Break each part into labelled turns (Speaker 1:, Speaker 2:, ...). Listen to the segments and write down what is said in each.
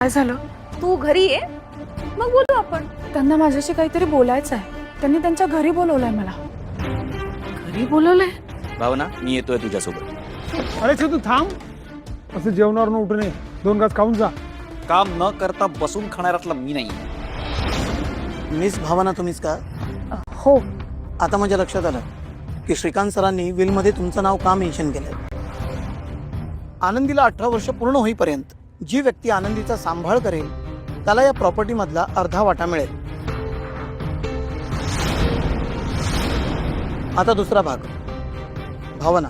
Speaker 1: काय झालं?
Speaker 2: तू घरी ये, मग बोलू आपण.
Speaker 1: त्यांना माझ्याशी काहीतरी बोलायचं आहे. त्यांनी त्यांच्या घरी बोलवलंय मला. घरी बोलवलंय?
Speaker 3: भावना, मी येतोय तुझ्यासोबत.
Speaker 4: अरे तू थांब. असं जेवणावर उठू नये. 2 घास खाऊन जा.
Speaker 3: काम न करता बसून खाणाऱ्यातला मी नाही.
Speaker 5: मिस भावना तुम्हीच का?
Speaker 1: हो.
Speaker 5: आता माझ्या लक्षात आलं की श्रीकांत सरांनी विलमध्ये तुमचं नाव का मेन्शन केलंय. आनंदीला 18 वर्ष पूर्ण होईपर्यंत जी व्यक्ती आनंदीचा सांभाळ करेल त्याला या प्रॉपर्टी मधला अर्धा वाटा मिळेल. आता दुसरा भाग. भावना,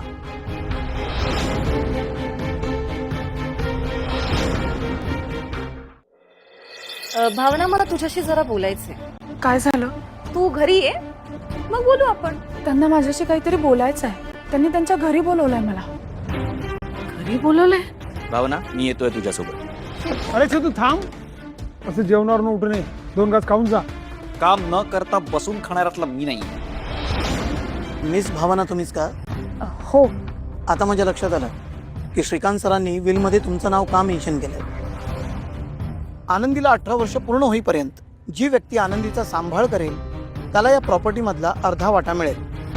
Speaker 2: भावना, मला तुझ्याशी जरा बोलायचंय.
Speaker 1: काय झालं?
Speaker 2: तू घरी ये, मग बोलू आपण.
Speaker 1: त्यांना माझ्याशी काहीतरी बोलायचं आहे. त्यांनी त्यांच्या घरी बोलवलंय मला. घरी बोलवलंय?
Speaker 3: भावना, मी येतोय तुझ्यासोबत.
Speaker 4: अरे तू थांब. असं जेवणावर उठू नये. 2 घास खाऊन जा.
Speaker 3: काम न करता बसून खाणाऱ्यातला मी नाही.
Speaker 5: मिस भावना तुम्हीच का?
Speaker 1: हो.
Speaker 5: आता माझ्या लक्षात आलं की श्रीकांत सरांनी विलमध्ये तुमचं नाव का मेन्शन केलंय. आनंदीला 18 वर्ष पूर्ण होईपर्यंत जी व्यक्ती आनंदीचा सांभाळ करेल त्याला या प्रॉपर्टी मधला अर्धा वाटा मिळेल.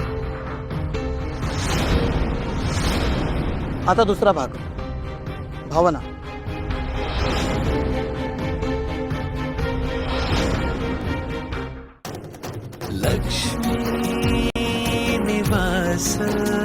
Speaker 5: आता दुसरा भाग. भावना,
Speaker 6: लक्ष्मी निवास